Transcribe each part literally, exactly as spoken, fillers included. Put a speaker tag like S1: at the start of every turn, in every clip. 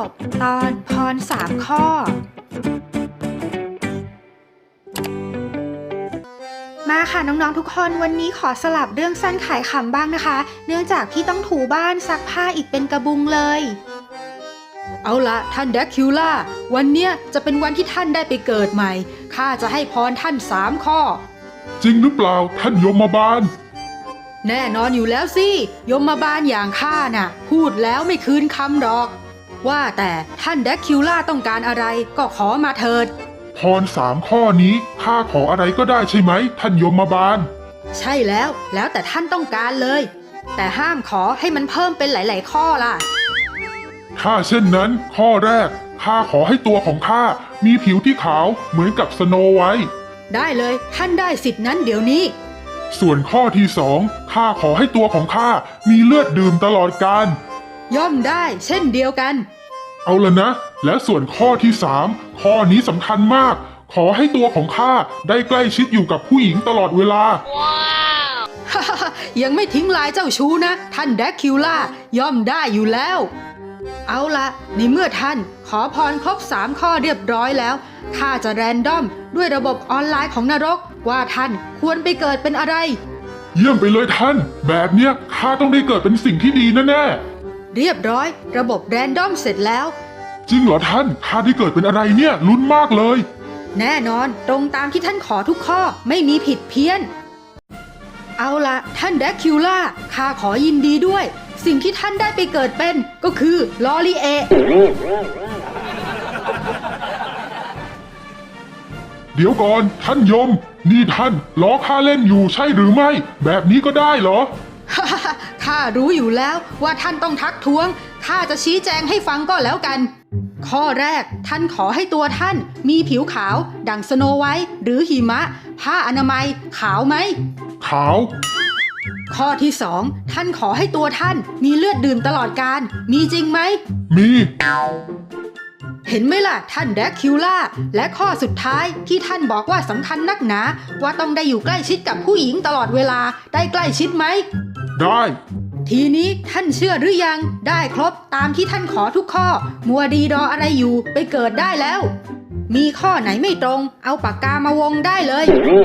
S1: บตอนพรสามข้อมาค่ะน้องๆทุกคนวันนี้ขอสลับเรื่องสั้นขายขำบ้างนะคะเนื่องจากพี่ต้องถูบ้านซักผ้าอีกเป็นกระบุงเลยเอาละท่านแดคิวล่าวันเนี้ยจะเป็นวันที่ท่านได้ไปเกิดใหม่ข้าจะให้พรท่านสามข้อ
S2: จริงหรือเปล่าท่านยมบาล
S1: แน่นอนอยู่แล้วสิยมบาลอย่างข้าน่ะพูดแล้วไม่คืนคำดอกว่าแต่ท่านแดคิวล่าต้องการอะไรก็ขอมาเถิด
S2: พรสามข้อนี้ข้าขออะไรก็ได้ใช่ไหมท่านยมบาล
S1: ใช่แล้วแล้วแต่ท่านต้องการเลยแต่ห้ามขอให้มันเพิ่มเป็นหลายๆข้อล่ะ
S2: ถ้าเช่นนั้นข้อแรกข้าขอให้ตัวของข้ามีผิวที่ขาวเหมือนกับสโนไวท์
S1: ได้เลยท่านได้สิทธินั้นเดี๋ยวนี้
S2: ส่วนข้อที่สองข้าขอให้ตัวของข้ามีเลือดดื่มตลอดกาล
S1: ย่อมได้เช่นเดียวกัน
S2: เอาละนะและส่วนข้อที่สามข้อนี้สำคัญมากขอให้ตัวของข้าได้ใกล้ชิดอยู่กับผู้หญิงตลอดเวลาว้
S1: าวยังไม่ทิ้งลายเจ้าชู้นะท่านแดกคิวล่าย่อมได้อยู่แล้วเอาละในเมื่อท่านขอพรครบสามข้อเรียบร้อยแล้วข้าจะแรนดอมด้วยระบบออนไลน์ของนรกว่าท่านควรไปเกิดเป็นอะไร
S2: เยี่ยมไปเลยท่านแบบเนี้ยข้าต้องได้เกิดเป็นสิ่งที่ดีแน่
S1: ๆเรียบร้อยระบบแรนดอมเสร็จแล้ว
S2: จริงเหรอท่านข้าได้เกิดเป็นอะไรเนี่ยลุ้นมากเลย
S1: แน่นอนตรงตามที่ท่านขอทุกข้อไม่มีผิดเพี้ยนเอาละท่านแดกคิวล่าข้าขอยินดีด้วยสิ่งที่ท่านได้ไปเกิดเป็นก็คือลอรีเอ
S2: เดี๋ยวก่อนท่านยมนี่ท่านล้อข้าเล่นอยู่ใช่หรือไม่แบบนี้ก็ได้เหรอ
S1: ข้ารู้อยู่แล้วว่าท่านต้องทักท้วงข้าจะชี้แจงให้ฟังก็แล้วกันข้อแรกท่านขอให้ตัวท่านมีผิวขาวดั่งสโนไวท์หรือหิมะผ้าอนามัยขาวไหม
S2: ขาว
S1: ข้อที่สองท่านขอให้ตัวท่านมีเลือดดื่มตลอดกาลมีจริงไหม
S2: มี
S1: เห็นไหมล่ะท่านแดกคิวล่าและข้อสุดท้ายที่ท่านบอกว่าสำคัญนักหนาว่าต้องได้อยู่ใกล้ชิดกับผู้หญิงตลอดเวลาได้ใกล้ชิดไหม
S2: ได้
S1: ทีนี้ท่านเชื่อหรือยังได้ครบตามที่ท่านขอทุกข้อมัวดีรออะไรอยู่ไปเกิดได้แล้วมีข้อไหนไม่ตรงเอาปากกามาวงได้เลย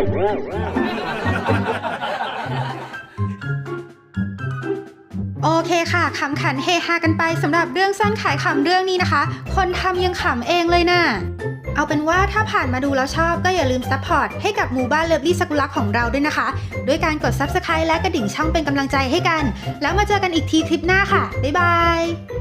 S1: โอเคค่ะขำขันเฮฮากันไปสำหรับเรื่องสั้นขายขำเรื่องนี้นะคะคนทำยังขำเองเลยนะ่ะเอาเป็นว่าถ้าผ่านมาดูแล้วชอบก็อย่าลืมซัพพอร์ตให้กับหมู่บ้านเลิฟลี่สกุลักของเราด้วยนะคะด้วยการกด ซับสไครบ์ และกระดิ่งช่องเป็นกำลังใจให้กันแล้วมาเจอกันอีกทีคลิปหน้าค่ะบ๊ายบาย